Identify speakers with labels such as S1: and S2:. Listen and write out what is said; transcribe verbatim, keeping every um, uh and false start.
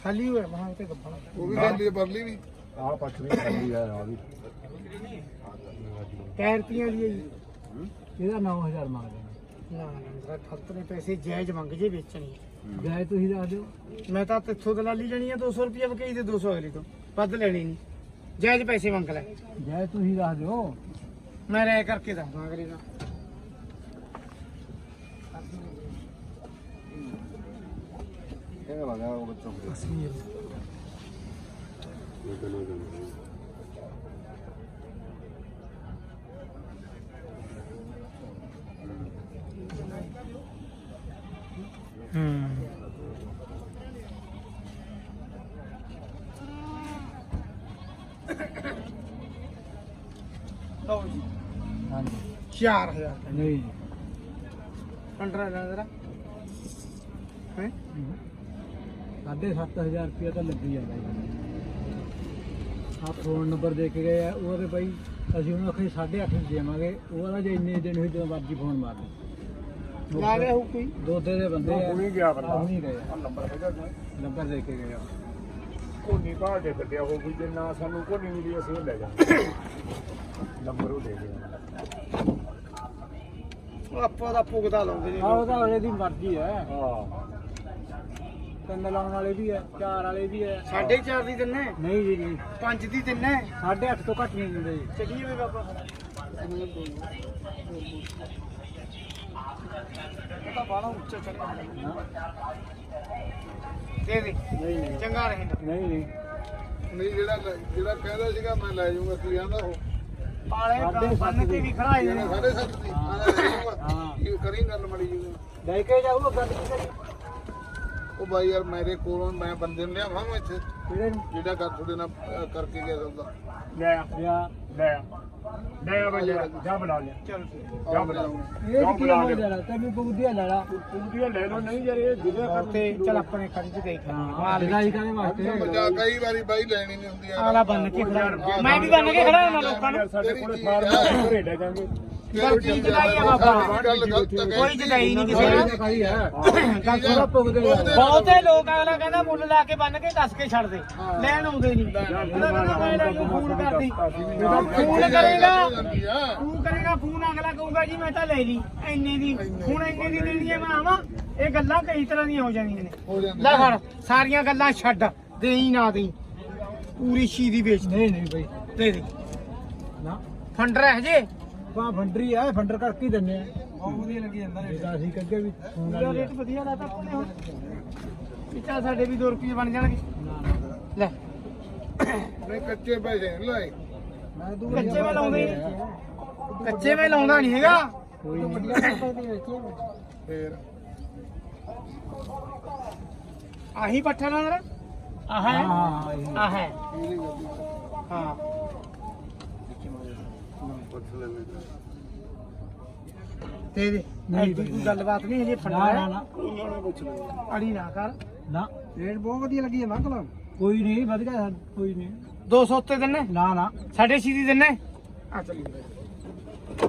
S1: ਖਾਲੀ ਹੋਇਆ ਮਹਾਂ ਤੇ ਗੱਪਣਾ
S2: ਉਹ ਵੀ ਖਾਲੀ ਪਰਲੀ ਵੀ
S3: ਆਹ ਪੱਠ ਵੀ ਖਾਲੀ ਆ ਆ ਵੀ
S1: ਕੈਰਤੀਆਂ ਦੀ ਹੈ ਜੀ
S3: ਇਹਦਾ ਨੌ ਹਜ਼ਾਰ ਮੰਗਦੇ
S1: ਨਾ ਨਾ ਠੱਤ ਨੇ ਪੈਸੇ ਜਾਇਜ਼ ਮੰਗ ਜੇ ਵੇਚਣੀ
S3: ਜਾਇ ਤੁਸੀਂ ਦੱਸ ਦਿਓ
S1: ਮੈਂ ਤਾਂ ਤੇਥੋਂ ਦਲਾਲੀ ਲੈਣੀ ਆ ਦੋ ਸੌ ਰੁਪਏ ਵਕਈ ਤੇ ਦੋ ਸੌ ਅਗਲੀ ਤੋਂ ਵੱਧ ਲੈਣੀ ਨਹੀਂ ਜਾਇਜ਼ ਪੈਸੇ ਮੰਗ ਲੈ
S3: ਜਾਇ ਤੁਸੀਂ ਦੱਸ ਦਿਓ
S1: ਮੈਂ ਰਹਿ ਕਰਕੇ ਦੱਸਦਾ ਅਗਲੀ ਦਾ
S2: ਕਿਹੜਾ ਲਗਾ ਉਹ ਬੱਚਾ
S1: ਹੂੰ ਲਓ ਜੀ
S3: ਹਾਂਜੀ
S1: ਚਾਰ ਹਜ਼ਾਰ
S3: ਨਹੀਂ
S1: ਪੰਦਰਾਂ ਹਜ਼ਾਰ ਜਰਾ ਹੈ
S3: ਸਾਢੇ ਸੱਤ ਹਜ਼ਾਰ ਰੁਪਇਆ ਤਾਂ ਲੱਗੀ ਜਾਂਦਾ ਜੀ ਆਹ ਫੋਨ ਨੰਬਰ ਦੇ ਕੇ ਗਏ ਆ ਉਹਦੇ ਬਾਈ ਅਸੀਂ ਉਹਨੂੰ ਆਖੇ ਸਾਢੇ ਅੱਠ ਦੇਵਾਂਗੇ ਉਹਦਾ ਜੇ ਇੰਨੇ ਦਿਨ ਹੋਈ ਜਦੋਂ ਮਰਜ਼ੀ ਫੋਨ ਮਾਰ ਦੇ
S1: ਲਾ ਗਿਆ ਹੋ ਕੋਈ
S3: ਦੋਦੇ ਦੇ ਬੰਦੇ ਆ
S2: ਹੁਣੀ ਗਿਆ ਬੰਦਾ।
S3: ਹੁਣੀ ਗਏ ਆ।
S2: ਨੰਬਰ ਹੈਗਾ
S3: ਨੰਬਰ ਦੇ ਕੇ ਗਏ ਆ
S2: ਕੋਨੀ ਬਾਹਰ ਦੇ ਕੱਢਿਆ ਹੋ ਵੀ ਜੇ ਨਾ ਸਾਨੂੰ ਕੋਨੀ ਮਿਲੀ ਅਸੀਂ ਉਹ ਲੈ ਜਾਵਾਂਗੇ ਨੰਬਰ ਉਹ ਦੇ ਦੇ
S1: ਉਹ ਆਪਾਂ ਦਾ ਭੁਗਤਾ ਲਾਉਂਦੇ ਨੇ
S3: ਆਹ ਉਹਦਾ ਉਹਦੀ ਮਰਜ਼ੀ ਹੈ
S2: ਹਾਂ
S3: ਤਿੰਨ ਲਾਉਣ ਵਾਲੇ ਵੀ ਹੈ ਚਾਰ ਵਾਲੇ ਵੀ ਹੈ
S1: ਸਾਢੇ ਚਾਰ ਦੀ ਦਿੰਨੇ
S3: ਨਹੀਂ ਜੀ ਨਹੀਂ
S1: ਪੰਜ ਦੀ ਦਿੰਨੇ
S3: ਸਾਢੇ ਅੱਠ ਤੋਂ ਘੱਟ ਨਹੀਂ ਦਿੰਦੇ ਜੀ
S1: ਚੱਲੀਏ ਵੇ ਬਾਬਾ ਇਹ ਤਾਂ ਬਾਹਲਾ ਉੱਚਾ ਚੜਿਆ ਦੇ ਦੇ
S3: ਨਹੀਂ ਨਹੀਂ
S1: ਚੰਗਾ ਰਹੇ
S3: ਨਹੀਂ ਨਹੀਂ
S2: ਨਹੀਂ ਜਿਹੜਾ ਜਿਹੜਾ ਕਹਿੰਦਾ ਸੀਗਾ ਮੈਂ ਲੈ ਜਾਊਂਗਾ ਕੀ ਕਹਿੰਦਾ ਉਹ
S1: ਪਾਲੇ ਬੰਨ ਕੇ ਵੀ ਖੜਾਏ ਨੇ
S2: ਜਿਹੜਾ ਸਾਢੇ ਸੱਤ ਦੀ ਮੈਂ ਲੈ ਜਾਊਂਗਾ
S3: ਹਾਂ
S2: ਕੀ ਕਰੀ ਗੱਲ ਮੜੀ ਜੀ
S3: ਲੈ ਕੇ ਜਾਊਗਾ ਗੱਲ ਕੀ ਕਰੀ
S2: ਉਹ ਬਾਈ ਯਾਰ ਮੇਰੇ ਕੋਲੋਂ ਮੈਂ ਬੰਦੇ ਨੂੰ ਲਿਆਵਾਂ ਮੈਂ ਇੱਥੇ
S3: ਕਿਹੜੇ ਨੂੰ
S2: ਜਿਹੜਾ ਕਰ ਤੁਹਾਡੇ ਨਾਲ ਅਹ, ਕਰਕੇ ਗਿਆ ਸੌਦਾ
S3: ਲੈ ਲਿਆ
S2: ਲੈ ਲੈ ਆ ਬਈ ਜਾ ਬਣਾ ਲਿਆ
S1: ਚਲ
S2: ਜਾ ਬਣਾ
S3: ਇਹ ਕੀ ਹੋ ਜਾਣਾ ਤੈਨੂੰ ਬੁੱਧੀਆ ਲੈ ਲਾ
S2: ਪੂਰੀਆਂ ਲੈ ਲਓ ਨਹੀਂ ਯਾਰ ਇਹ ਜਿਹਦੇ
S1: ਤੇ ਚਲ ਆਪਣੇ ਖੜੀ ਚ ਦੇਖ
S3: ਹਾਂ ਲੜਾਈ ਕਰਨ ਵਾਸਤੇ
S2: ਜਾ ਕਈ ਵਾਰੀ ਬਾਈ ਲੈਣੀ ਨਹੀਂ ਹੁੰਦੀ ਯਾਰ
S1: ਆਲਾ ਬੰਨ ਕੇ ਖੜਾ ਮੈਂ ਵੀ ਬੰਨ ਕੇ ਖੜਾ ਹਾਂ ਲੋਕਾਂ ਨੂੰ
S2: ਸਾਡੇ ਕੋਲੇ ਫਾਰਮ ਘਰੇ ਲੈ ਜਾਾਂਗੇ
S1: ਪਰ ਕੀ ਜਦਾਈ ਆ ਬਾਬਾ
S2: ਗੱਲ ਗਲਤ ਹੈ
S1: ਕੋਈ ਜਦਾਈ ਨਹੀਂ ਕਿਸੇ ਨਾਲ
S3: ਖਾਈ ਹੈ ਗੱਲ ਥੋੜਾ ਪੁੱਗਦੇ
S1: ਬਹੁਤੇ ਲੋਕ ਅਗਲਾ ਕਹਿੰਦਾ ਮੁੱਲ ਲਾ ਕੇ ਬੰਨ ਕੇ ਦੱਸ ਕੇ ਛੱਡ ਦੇ ਲੈਣ ਆਉਂਦੇ ਨਹੀਂ ਉਹਨਾਂ ਕਹਿੰਦਾ ਮੈਂ ਲੈ ਜੂ ਫੋਨ ਕਰਦੀ ਫੋਨ ਕਰੇਗਾ ਤੂੰ ਕਰੇਗਾ ਫੋਨ ਅਗਲਾ ਕਹੂਗਾ ਜੀ ਮੈਂ ਤਾਂ ਲੈ ਲਈ ਇੰਨੇ ਦੀ ਹੁਣ ਇੰਨੇ ਦੀ ਲੈਣੀ ਹੈ ਮੈਂ ਆਵਾਂ ਇਹ ਗੱਲਾਂ ਕਈ ਤਰ੍ਹਾਂ ਦੀਆਂ ਹੋ ਜਾਂਦੀਆਂ ਨੇ ਲੈ ਫੜ ਸਾਰੀਆਂ ਗੱਲਾਂ ਛੱਡ ਦੇਈ ਨਾ ਦੇਈ ਪੂਰੀ ਸ਼ੀਦੀ ਵੇਚ
S3: ਨਹੀਂ ਨਹੀਂ ਬਈ
S1: ਦੇ ਦੇ
S3: ਨਾ
S1: ਫੰਡਰ ਹੈ ਜੇ
S3: ਬਾ ਫੰਡਰੀ ਆ ਫੰਡਰ ਕਰਕੇ ਹੀ ਦਿੰਨੇ ਆ
S1: ਬਹੁਤ ਵਧੀਆ ਲੱਗੀ ਜਾਂਦਾ
S3: ਇਹਦਾ ਅਸੀਂ ਕੱਗੇ ਵੀ ਫੋਨ
S1: ਇਹਦਾ
S3: ਵਾਲੀ ਆ।
S1: ਰੇਟ ਵਧੀਆ ਲਾਤਾ ਆਪਣੇ ਹੁਣ ਪਿੱਛਾ ਸਾਡੇ ਵੀ ਦੋ ਰੁਪਏ ਬਣ ਜਾਣਗੇ
S3: ਨਾ ਨਾ
S1: ਲੈ
S2: ਨਹੀਂ ਕੱਚੇ ਪੈਸੇ ਨਹੀਂ ਲਾਏ
S3: ਮੈਂ ਦੂਰ
S1: ਕੱਚੇ ਮੈਂ ਲਾਉਂਦੇ ਨਹੀਂ ਕੱਚੇ ਮੈਂ ਲਾਉਂਦਾ ਨਹੀਂ ਹੈਗਾ
S3: ਕੋਈ ਨਹੀਂ
S2: ਫੇਰ
S1: ਆਹੀ ਪੱਠਾ ਨਾ ਜਰਾ ਆਹ ਹੈ
S3: ਹਾਂ ਇਹ
S1: ਆਹ ਹੈ
S2: ਇਹਦੀ ਗੱਲ
S1: ਹਾਂ
S2: ਪੁੱਛ ਲੈਣੇ
S1: ਦੇ ਦੇ
S3: ਨਹੀਂ
S1: ਐਡੀ ਕੋਈ ਗੱਲਬਾਤ ਨਹੀਂ ਹਜੇ
S3: ਨਾ
S1: ਫੰਡਾ
S3: ਨਾ
S1: ਹੈ
S3: ਨਾ
S2: ਪੁੱਛ ਲੈਣੇ
S1: ਅੜੀ ਨਾ ਕਰ
S3: ਨਾ
S1: ਰੇਟ ਬਹੁਤ ਵਧੀਆ ਲੱਗੀ ਹੈ ਨਾ ਕਲਮ
S3: ਕੋਈ ਨਹੀਂ ਵਧੀਆ ਕੋਈ ਨਹੀਂ
S1: ਦੋ ਸੌ ਉੱਤੇ ਦਿੰਨੇ
S3: ਨਾ ਨਾ
S1: ਸਾਢੇ ਛੇ ਦੀ ਦਿੰਨੇ ਆ ਚੱਲੀ